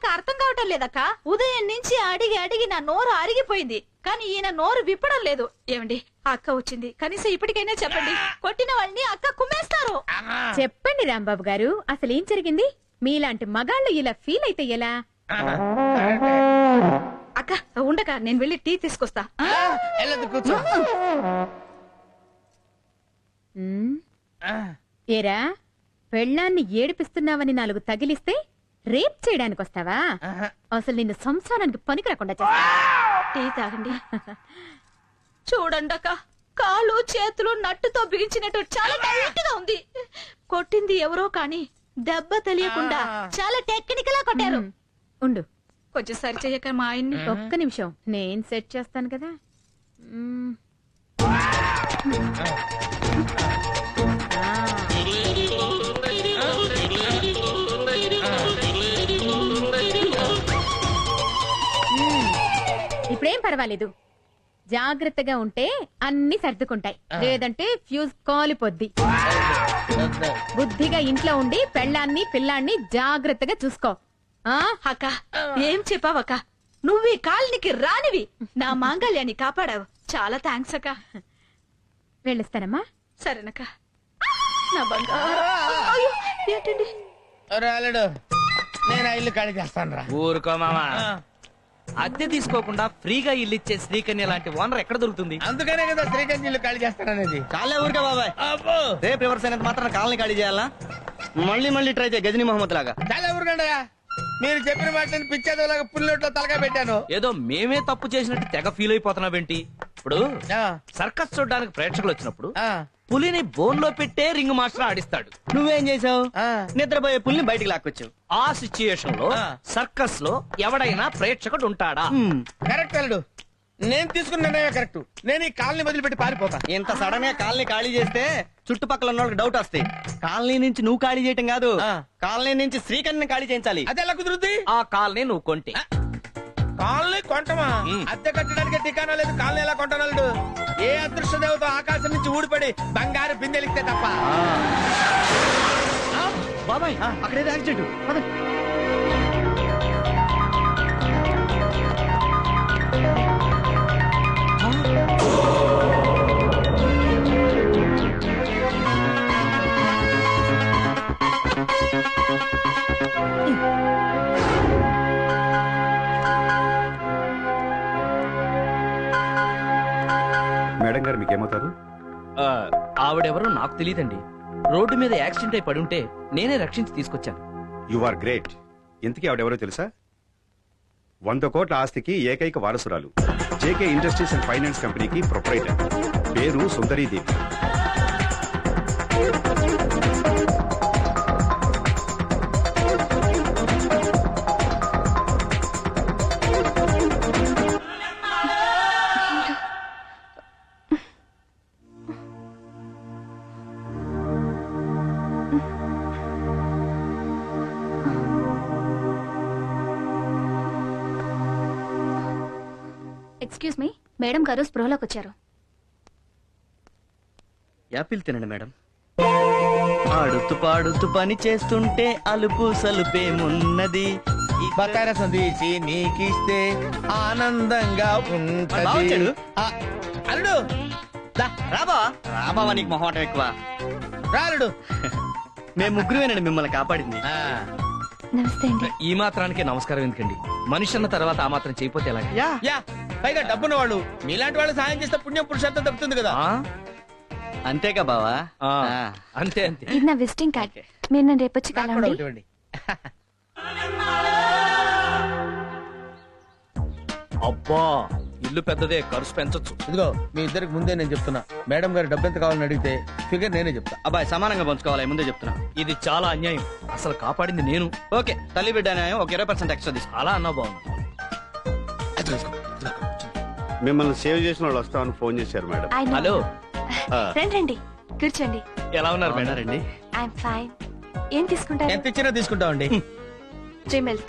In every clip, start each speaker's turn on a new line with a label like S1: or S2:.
S1: ఇంకా అర్థం కావటం లేదక్క. ఉదయం నుంచి అడిగి అడిగి నా నోరు అరిగిపోయింది, కానీ ఈయన నోరు విప్పడం లేదు. ఏమండి, అక్క వచ్చింది, కనీసం ఇప్పటికైనా చెప్పండి. కొట్టిన వాళ్ళని అక్క కుమ్మేస్తారు.
S2: చెప్పండి రాంబాబు గారు, అసలు ఏం జరిగింది? మీలాంటి మగాళ్ళు ఇలా ఫీల్ అయితే ఎలా?
S1: అక్క ఉండక నేను వెళ్ళి టీ తీసుకొస్తా.
S3: కూర్చో.
S2: ఏరా, పెళ్ళాన్ని ఏడిపిస్తున్నావని 4 తగిలిస్తే రేప్ చేయడానికి వస్తావా? అసలు నిన్ను సంసారానికి పనికి రాకుండా చేస్తా.
S1: టీ తాగండి. చూడండి అక్క, కాళ్ళు చేతులు నట్టుతో బిగించినట్టు చాలా టైట్ గా ఉంది. కొట్టింది ఎవరో కానీ దెబ్బ తెలియకుండా చాలా టెక్నికల్ గా కొట్టారు.
S2: ఉండు,
S1: కొంచెం సరి చెయ్యక మా ఆయన్ని.
S2: ఒక్క నిమిషం, నేను సెట్ చేస్తాను కదా. ఇప్పుడేం పర్వాలేదు, జాగ్రత్తగా ఉంటే అన్ని సర్దుకుంటాయి, లేదంటే ఫ్యూజ్ కాలిపోద్ది. బుద్ధిగా ఇంట్లో ఉండి పెళ్ళాన్ని పిల్లాన్ని జాగ్రత్తగా చూసుకో.
S1: అక్క ఏం చెప్పావక్క, నువ్వు ఈ కాలనికి రానివి, నా మాంగళ్యాన్ని కాపాడావు. చాలా థ్యాంక్స్ అక్క.
S2: వెళ్ళిస్తానమ్మా.
S1: సరేనక్క. నా బంగారు. అయ్యో, ఏంటండి?
S3: రాలేడు, నేను ఇల్లు ఖాళీ చేస్తాను రా.
S4: ఊరుకో మామా, అద్దె తీసుకోకుండా ఫ్రీగా ఇల్లు ఇచ్చే శ్రీకన్య లాంటి ఓనర్ ఎక్కడ దొరుకుతుంది?
S3: అందుకనే కదా శ్రీకాంత్ ఇల్లు ఖాళీ చేస్తాననేది.
S5: చాలే ఊరికే బాబాయ్, రేపు రివర్స్ అయినంత మాత్రం కాలనీ ఖాళీ చేయాలా? మళ్ళీ ట్రై చేయ గజనీ మహమ్మద్ లాగా.
S3: చాలా ఊరుకండయా, మీరు చెప్పిన మాటని పిచ్చేదోలాగా పుల్లొట్లో తలగా పెట్టాను.
S4: ఏదో మేమే తప్పు చేసినట్టు తెగ ఫీల్ అయిపోతున్నావేంటి? ఇప్పుడు సర్కస్ చూడడానికి ప్రేక్షకులు వచ్చినప్పుడు పులిని బోన్ లో పెట్టే రింగ్ మాస్టర్ ఆడిస్తాడు.
S5: నువ్వేం చేసావు? నిద్రపోయే పుల్ని బయటికి లాక్కొచ్చావు.
S4: ఆ సిచ్యుయేషన్ లో సర్కస్ లో ఎవడైనా ప్రేక్షకుడు ఉంటాడా?
S3: కరెక్ట్ అల్లుడు, నేను తీసుకున్న నిర్ణయం కరెక్ట్. నేను ఈ కాలనీ వదిలిపెట్టి పారిపోతా.
S5: ఇంత సడన్ గా కాలనీ ఖాళీ చేస్తే చుట్టుపక్కల ఉన్న వాళ్ళకి డౌట్ వస్తాయి. కాలనీ నుంచి నువ్వు ఖాళీ చేయటం కాదు, కాలనీ నుంచి శ్రీకన్యని ఖాళీ చేయించాలి.
S3: అది ఎలా కుదురుద్ది?
S4: ఆ కాలనీ నువ్వు కొంటే.
S3: కాలనీ కొంటమా? అద్దె కట్టడానికి ఠికానా లేదు, కాలనీ ఎలా కొంటానల్లుడు? ఏ అదృష్ట దేవత ఆకాశం నుంచి ఊడిపడి బంగారు బిందెలిస్తే తప్ప.
S5: బాబాయ్, అక్కడేదో యాక్సిడెంట్.
S6: మేడం గారు మీకేమవుతారు?
S4: ఆవిడెవరో నాకు తెలియదండి. రోడ్డు మీద యాక్సిడెంట్ అయి పడుంటే నేనే రక్షించి తీసుకొచ్చాను.
S6: You are great. ఇంతకీ ఆవిడెవరో తెలుసా? 100 కోట్ల ఆస్తికి ఏకైక వారసురాలు. జేకే ఇండస్ట్రీస్ అండ్ ఫైనాన్స్ కంపెనీకి ప్రొపరైటర్. పేరు సుందరీదేవి.
S7: ఎక్స్క్యూజ్ మీ, మేడం గారు స్పృహలోకి వచ్చారు.
S5: యాపిల్ తినండి మేడం. ఆడుతూ పాడుతూ పని చేస్తుంటే అలుపు సలుపేమున్నది.
S3: బకార సందేశి నీకిస్తే ఆనందంగా ఉంటది. అల్లుడు
S5: రాబావా, నీకు మొహమాటం ఎక్కువ.
S3: రాలుడు,
S5: మేము ముగ్గురువేనండి మిమ్మల్ని కాపాడింది.
S7: నమస్తే అండి.
S4: ఈ మాత్రానికే నమస్కారం ఎందుకండి? మనిషి అన్న తర్వాత ఆ మాత్రం చేయపోతే ఎలా?
S3: యా, పైగా డబ్బున్న వాళ్ళు మీలాంటి వాళ్ళు సాయం చేస్తే పుణ్యం పురుషార్థం దక్కుతుంది కదా.
S5: అంతేగా బావా?
S4: అంతే అంతే.
S7: ఇది నా విజిటింగ్ కార్డ్. మీరు నన్ను రేపు వచ్చి కలవండి.
S4: అబ్బా, ఇల్లు పెద్దదే, ఖర్చు పెంచొచ్చు.
S3: ఇదిగో మీ ఇద్దరికి ముందే నేను చెప్తున్నా, మేడం గారు డబ్బు ఎంత కావాలని అడిగితే ఫిగర్ నేనే చెప్తా.
S5: అబ్బాయి సమానంగా పంచుకోవాలి, ముందే చెప్తున్నా.
S4: ఇది చాలా అన్యాయం. అసలు కాపాడింది నేను.
S5: ఓకే, తల్లి బిడ్డ న్యాయం, ఒక 20% ఎక్స్ట్రా తీసుకో.
S4: అలా అన్నా బాగుంది.
S6: మిమ్మల్ని సేవ్ చేసిన వాళ్ళు వస్తామని ఫోన్ చేశారు మేడం.
S4: హలో,
S7: రండి కూర్చోండి.
S4: ఎలా ఉన్నారు మేడం?
S5: రండి.
S7: I'm fine. ఏం తీసుకుంటారు?
S3: ఎంత ఇచ్చినా తీసుకుంటామండి.
S7: 3 మిల్క్.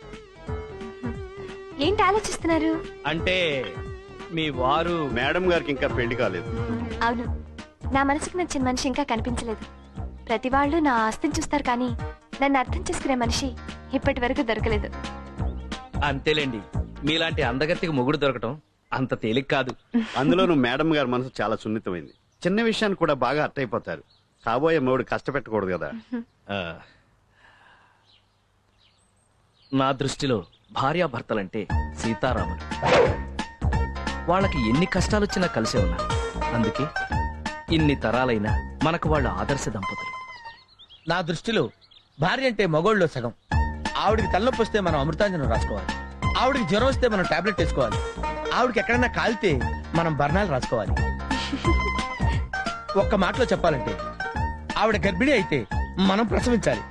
S7: ఏంటి ఆలోచిస్తున్నారు?
S4: అంటే మీ వారు
S6: మేడం గారికి ఇంకా పెళ్లి కాలేదు.
S7: అవును, నా మనసుకు నచ్చిన మనిషి ఇంకా కనిపించలేదు. ప్రతి వాళ్ళు నా ఆస్తిని చూస్తారు కానీ నన్ను అర్థం చేసుకునే మనిషి ఇప్పటి వరకు దొరకలేదు.
S4: అంతేలేండి, మీలాంటి అందగత్తికి మొగుడు దొరకటం అంత తేలిక కాదు.
S8: అందులోనూ మేడం గారి మనసు చాలా సున్నితమైంది. చిన్న విషయాన్ని కూడా బాగా అర్థైపోతారు. కాబోయే మూడు కష్టపెట్టకూడదు కదా.
S4: ఆ, నా దృష్టిలో భార్యాభర్తలంటే సీతారాములు. వాళ్ళకి ఎన్ని కష్టాలొచ్చినా కలిసే ఉన్నారు. అందుకే ఇన్ని తరాలైనా మనకు వాళ్ళ ఆదర్శ దంపతులు.
S3: నా దృష్టిలో భార్య అంటే మగోళ్ళలో సగం. ఆవిడికి తలనొప్పి వస్తే మనం అమృతాంజనం రాసుకోవాలి, ఆవిడికి జ్వరం వస్తే మనం టాబ్లెట్ వేసుకోవాలి, ఆవిడకి ఎక్కడైనా కాలితే మనం బర్ణాలు రాసుకోవాలి. ఒక్క మాటలో చెప్పాలంటే ఆవిడ గర్భిణి అయితే మనం ప్రసవించాలి.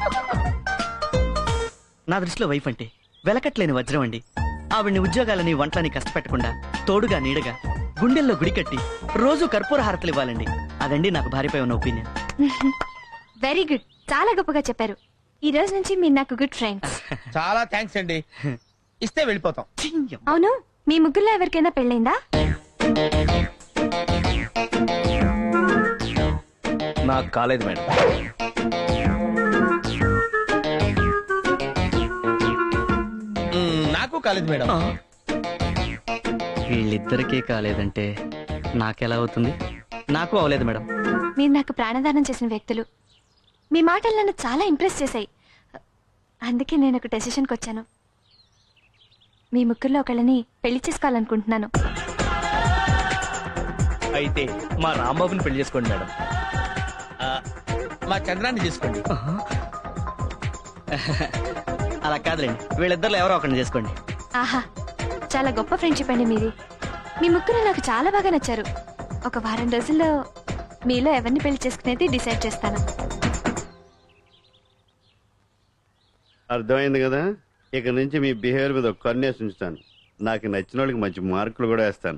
S5: నా దృష్టిలో వైఫ్ అంటే వెలకట్లేని వజ్రం అండి. ఆవిడ్ని ఉద్యోగాలని వంటలని కష్టపెట్టకుండా తోడుగా నీడగా గుండెల్లో గుడి కట్టి రోజు కర్పూర హారతలు ఇవ్వాలండి. అదండి నాకు భార్యపై ఉన్న ఒపీనియన్.
S7: వెరీ గుడ్, చాలా గొప్పగా చెప్పారు. ఈ రోజు నుంచి మీరు నాకు గుడ్ ఫ్రెండ్స్.
S3: చాలా థ్యాంక్స్ అండి. ఇస్తే వెళ్ళిపోతాం.
S7: అవును, మీ ముగ్గురులో ఎవరికైనా పెళ్ళైందా?
S4: నాకు కాలేదు మేడం.
S3: నాకు కాలేదు మేడం.
S5: వీళ్ళిద్దరికీ కాలేదంటే నాకెలా అవుతుంది? నాకు అవలేదు మేడం.
S7: మీరు నాకు ప్రాణదానం చేసిన వ్యక్తులు. మీ మాటలు నన్ను చాలా ఇంప్రెస్ చేశాయి. అందుకే నేను ఒక డెసిషన్కి వచ్చాను. మీ ముగ్గురులో ఒకళ్ళని పెళ్లి చేసుకోవాలనుకుంటున్నాను.
S4: అయితే మా రాంబాబుని పెళ్లి చేసుకోండి మేడం.
S3: మా చంద్రాన్ని తీసుకోండి.
S5: అలా కాదులేండి, వీళ్ళిద్దరిలో ఎవరో ఒకరిని చేసుకోండి.
S7: ఆహా, చాలా గొప్ప ఫ్రెండ్షిప్ అండి మీది. మీ ముగ్గురు నాకు చాలా బాగా నచ్చారు. ఒక వారం రోజుల్లో మీలో ఎవరిని పెళ్లి చేసుకునేది డిసైడ్ చేస్తాను.
S8: అర్థమైంది కదా. ఇక నుంచి మీ బిహేవియర్ మీద ఒక కన్నేసి ఉంచుతాను. నాకు నచ్చిన వాళ్ళకి మంచి మార్కులు కూడా వేస్తాను.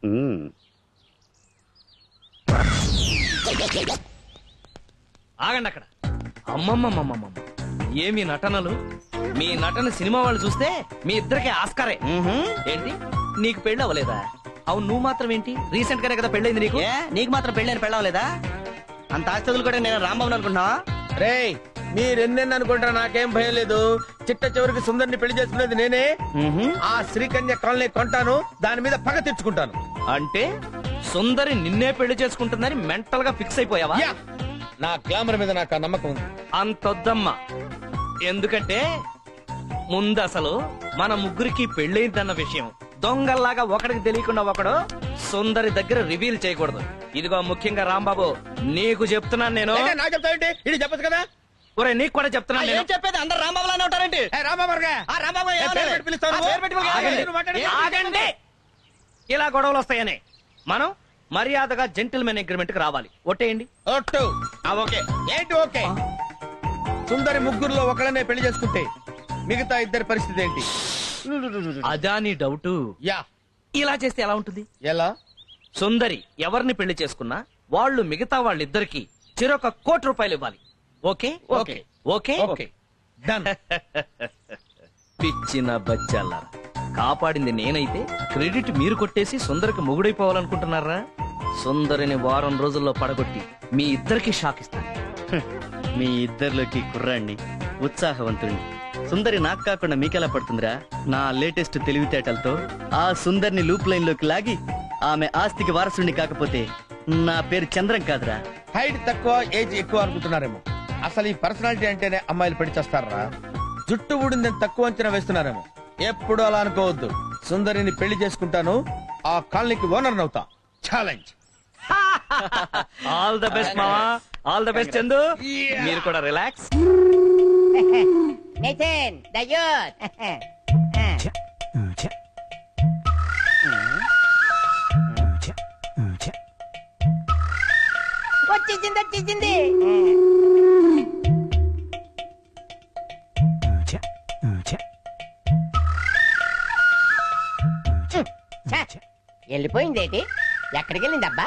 S4: ఆగండి అక్కడ. అమ్మమ్మమ్మమ్మమ్మ, ఏమి నటనలు! మీ నటన సినిమా వాళ్ళు చూస్తే మీ ఇద్దరికి ఆస్కారే. ఏంటి, నీకు పెళ్లి అవ్వలేదా? అవును, నువ్వు మాత్రం ఏంటి, రీసెంట్ గానే కదా పెళ్ళైంది నీకు.
S5: నీకు మాత్రం పెళ్ళని పెళ్ళవలేదా? అంత ఆస్తులు కూడా నేను రాంబాబు అనుకుంటున్నావా?
S3: రేయ్, మీరెన్నెన్ని అనుకుంటా నాకేం భయం లేదు. చిట్ట చివరికి సుందరిని పెళ్లి చేసుకునేది నేనే. ఆ శ్రీకన్య కాలనీ కొంటాను, దాని మీద పగ తెచ్చుకుంటాను.
S4: అంటే సుందరి నిన్నే పెళ్లి చేసుకుంటుందని మెంటల్ గా ఫిక్స్ అయిపోయావా?
S3: యా, నా గ్లామర్ మీద నాకు ఆ నమ్మకం ఉంది.
S4: అంతొద్దమ్మా. ఎందుకంటే ముందు అసలు మన ముగ్గురికి పెళ్ళైందన్న విషయం దొంగల్లాగా ఒకడికి తెలియకుండా ఒకడు సుందరి దగ్గర రివీల్ చేయకూడదు. ఇదిగో ముఖ్యంగా రాంబాబు, నీకు చెప్తున్నాను నేను.
S3: అయితే నాకు చెప్తావేంటి? ఇది చెప్పచ్చు కదా.
S4: ఒరే, నీకు కూడా చెప్తున్నాను నేను.
S5: ఏం చెప్పేది? అందరు రాంబాబులానే ఉంటారండి.
S4: ఆగండి. ఇలా గొడవలు వస్తాయని మనం మర్యాదగా జెంటిల్మెన్ అగ్రిమెంట్ కి రావాలి. ఒట్టేయండి.
S3: ఒట్టు. ఓకే. ఏంటి ఓకే? సుందరి ముగ్గురులో ఒకళ్ళనే పెళ్లి చేసుకుంటే మిగతా ఇద్దరి పరిస్థితి ఏంటి?
S4: అదా నీ డౌట్?
S3: యా.
S4: ఇలా చేస్తే ఎలా ఉంటుంది?
S3: ఎలా?
S4: సుందరి ఎవరిని పెళ్లి చేసుకున్నా వాళ్ళు మిగతా వాళ్ళిద్దరికి చెరొక ₹1,00,00,000 ఇవ్వాలి. Okay
S3: okay.
S4: Okay
S3: okay. Done.
S4: పిచ్చిన బచ్చాల కాపాడింది నేనైతే క్రెడిట్ మీరు కొట్టేసి సుందరికి మొగుడైపోవాలనుకుంటున్నారా? సుందరిని వారం రోజుల్లో పడగొట్టి మీ ఇద్దరికి షాక్ ఇస్తాను.
S5: మీ ఇద్దరిలోకి కుర్రాన్ని, ఉత్సాహవంతుణ్ణి. సుందరి నాకు కాకుండా మీకెలా పడుతుందిరా? నా లేటెస్ట్ తెలివితేటలతో ఆ సుందరిని లూప్ లైన్ లోకి లాగి ఆమె ఆస్తికి వారసుడిని కాకపోతే నా పేరు చంద్రం కాదురా.
S3: హైట్ తక్కువ, ఏజ్ ఎక్కువ అనుకుంటున్నారేమో. అసలు ఈ పర్సనాలిటీ అంటేనే అమ్మాయిలు పెళ్లి చేస్తారా? జుట్టు ఊడిందని తక్కువ అంచనా వేస్తున్నారేమో. ఎప్పుడు అలా అనుకోవద్దు. సుందరిని పెళ్లి చేసుకుంటాను, ఆ కాలనీకి ఓనర్ అవుతా. ఛాలెంజ్.
S4: ఆల్ ద బెస్ట్ మావా, ఆల్ ద బెస్ట్ చందు. మీరు కూడా రిలాక్స్.
S9: Nathan, the youth. వచ్చేసింది. వెళ్ళిపోయిందేటి? ఎక్కడికి వెళ్ళిందబ్బా?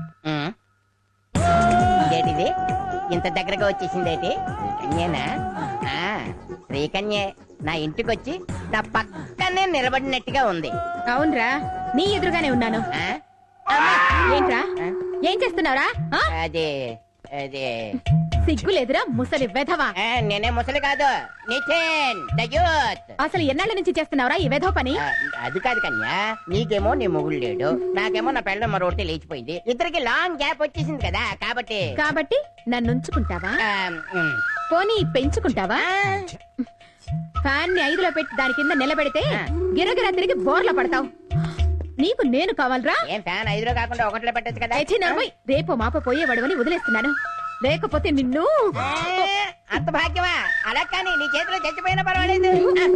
S9: ఇదేటిది ఇంత దగ్గరగా వచ్చేసిందేటి? శ్రీకన్యేనా? శ్రీకన్యే నా ఇంటికి వచ్చి నా పక్కనే నిలబడినట్టుగా ఉంది.
S2: అవునరా, నీ ఎదురుగానే ఉన్నాను. ఏంట్రా, ఏం చేస్తున్నావురా?
S9: అదే
S2: సిగ్గులేదురా ముసలి వెధవా.
S9: నేనే ముసలి కాదు, నితిన్ ద యూత్.
S2: అసలు ఎన్నాళ్ళ నుంచి చేస్తున్నావురా ఈ వెధవ పని?
S9: అది కాదు కన్యా, నీకేమో నీ మొగుడు లేడు, నాకేమో నా పెళ్ళ మరొకటి లేచిపోయింది, ఇద్దరికి లాంగ్ గ్యాప్ వచ్చేసింది కదా, కాబట్టి
S2: నన్ను ఉంచుకుంటావా?
S9: ఆ, ఉమ్.
S2: పోనీ పెంచుకుంటావా? ఫ్యాన్ ని 5లో పెట్టి దాని కింద నిలబెడితే గిరగిరా తిరిగి బోర్ల పడతావు. నీకు నేను కావాలరా?
S9: ఏం ఫ్యాన్ 5లో కాకుండా 1లో పెట్టచ్చు కదా.
S2: అయితే నర్మయ్, రేపు మాప పోయేవాడవని వదిలేస్తున్నాను, లేకపోతే నిన్ను.
S9: అంత భాగ్యమా? అలా కానీ నీ చేతిలో చచ్చిపోయినా పర్వాలేదు.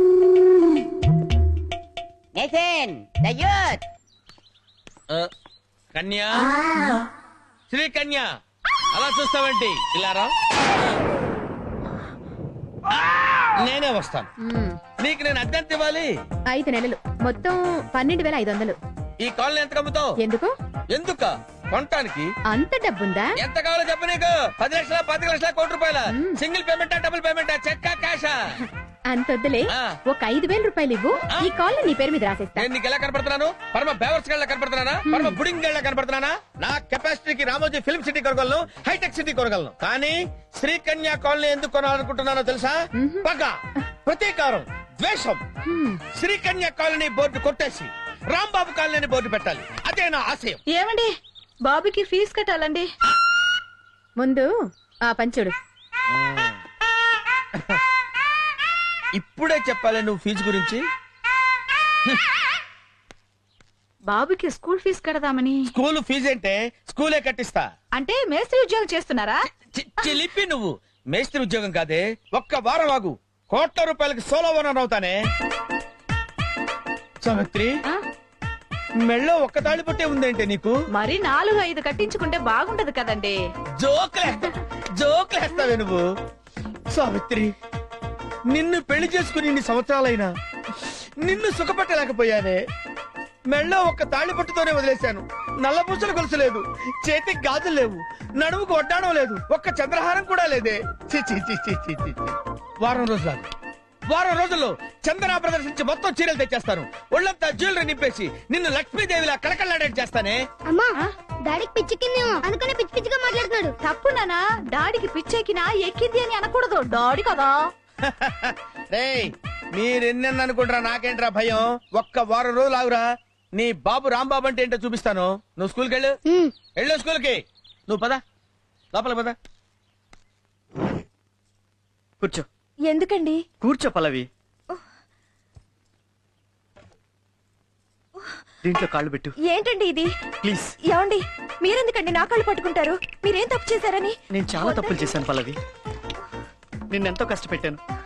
S9: Nitin the youth.
S3: కన్యా, శ్రీ కన్యా, అలా చూస్తావేంటి? ఇలా రా. నేనే వస్తాను. నీకు నేను అద్దెంత ఇవ్వాలి?
S2: 5 నెలలు, మొత్తం 12,500.
S3: ఈ కాలనీ ఎంత కమ్ముతావు?
S2: ఎందుకు?
S3: ఎందుక కొనటానికి.
S2: అంత డబ్బుందా?
S3: ఎంత కావాలో చెప్పు. నీకు 10 లక్షల, 10 లక్షల, కోటి రూపాయల? Single పేమెంటా, double పేమెంటా, చెక్కా, క్యాషా?
S2: అంతొద్దులే,
S3: ఆ.
S2: ఒక 5,000 రూపాయలు ఇవ్వు, ఈ కాల్ నీ పేరు మీద రాసేస్తా.
S3: నేను నీకు ఎలా కనపడుతున్నాను? పరమ బేవర్స్ గళ్ళ కనపడుతున్నానా? పరమ బుడింగ్ గళ్ళ కనపడుతున్నానా? నా కెపాసిటీకి రామోజీ ఫిల్మ్ సిటీ కొనగలను, హైటెక్ సిటీ కొనగలను. కానీ శ్రీకన్యా కాలనీ ఎందుకు కొనాలనుకుంటున్నానో తెలుసా? పగ, ప్రతీకారం, ద్వేషం. శ్రీకన్యా కాలనీ బోర్డు కొట్టేసి రాంబాబు కాలనీ బోర్డు పెట్టాలి. అదే నా ఆశయం.
S1: ఏమండి, బాబుకి ఫీజు కట్టాలండి.
S2: ముందు ఆ పంచుడు.
S3: ఇప్పుడే చెప్పాలి నువ్వు ఫీజు గురించి?
S1: బాబుకి స్కూల్ ఫీజు కడదామని.
S3: స్కూల్ ఫీజు అంటే స్కూలే కట్టిస్తా.
S1: అంటే మేస్త్రి ఉద్యోగం చేస్తున్నారా?
S3: చిలిపి నువ్వు. మేస్త్రి ఉద్యోగం కాదే, ఒక్క వారం ఆగు, కోట్ల రూపాయలకి సోలో ఓనర్ అవుతానే. సావిత్రి, మెళ్ళో ఒక్క తాళి పట్టే ఉందేంటే నీకు?
S1: మరి 4-5 కట్టించుకుంటే బాగుంటది కదండి.
S3: జోకులేస్తావే నువ్వు. సావిత్రి, నిన్ను పెళ్లి చేసుకుని ఇన్ని సంవత్సరాలైనా నిన్ను సుఖపెట్టలేకపోయానే. మెళ్ళో ఒక్క తాళి పట్టుతోనే వదిలేశాను. నల్లపూసలు గొలుసు లేదు, చేతికి గాజులు లేవు, నడుముకు వడ్డాణం లేదు, ఒక్క చంద్రహారం కూడా లేదే. ఛీ, ఛీ, ఛీ, ఛీ, ఛీ, ఛీ. వారం రోజుల్లో చందన ప్రదర్శించి మొత్తం చీరలు తెచ్చేస్తాను. ఒళ్ళంతా జ్యువెలరీ నింపేసి నిన్ను లక్ష్మీదేవిలా కళకళలాడేట్ చేస్తానే.
S10: అమ్మా, డాడీకి పిచ్చెక్కిందేమో అందుకనే పిచ్చి పిచ్చిగా మాట్లాడుతున్నాడు.
S1: తప్పు నానా, డాడీకి పిచ్చెక్కినా ఎక్కింది అని అనకూడదు, డాడీ కదా.
S3: రేయ్, మీరెన్నెన్న అనుకుంటారా, నాకేంట్రా భయం. ఒక్క వారం రోజులు ఆగురా, నీ బాబు రాంబాబు అంటే ఏంటో చూపిస్తాను. నువ్వు స్కూల్కి వెళ్ళు స్కూల్కి. నువ్వు పద, లోపల పద.
S5: కూర్చో.
S7: ఎందుకండి?
S5: కూర్చో పల్లవి. దీంట్లో కాళ్ళు పెట్టు.
S7: ఏంటండి ఇది?
S5: ప్లీజ్.
S7: ఏమండి, మీరెందుకండి నా కాళ్ళు పట్టుకుంటారు? మీరేం తప్పు చేశారని?
S5: నేను చాలా తప్పులు చేశాను పల్లవి, నిన్నెంతో కష్టపెట్టాను.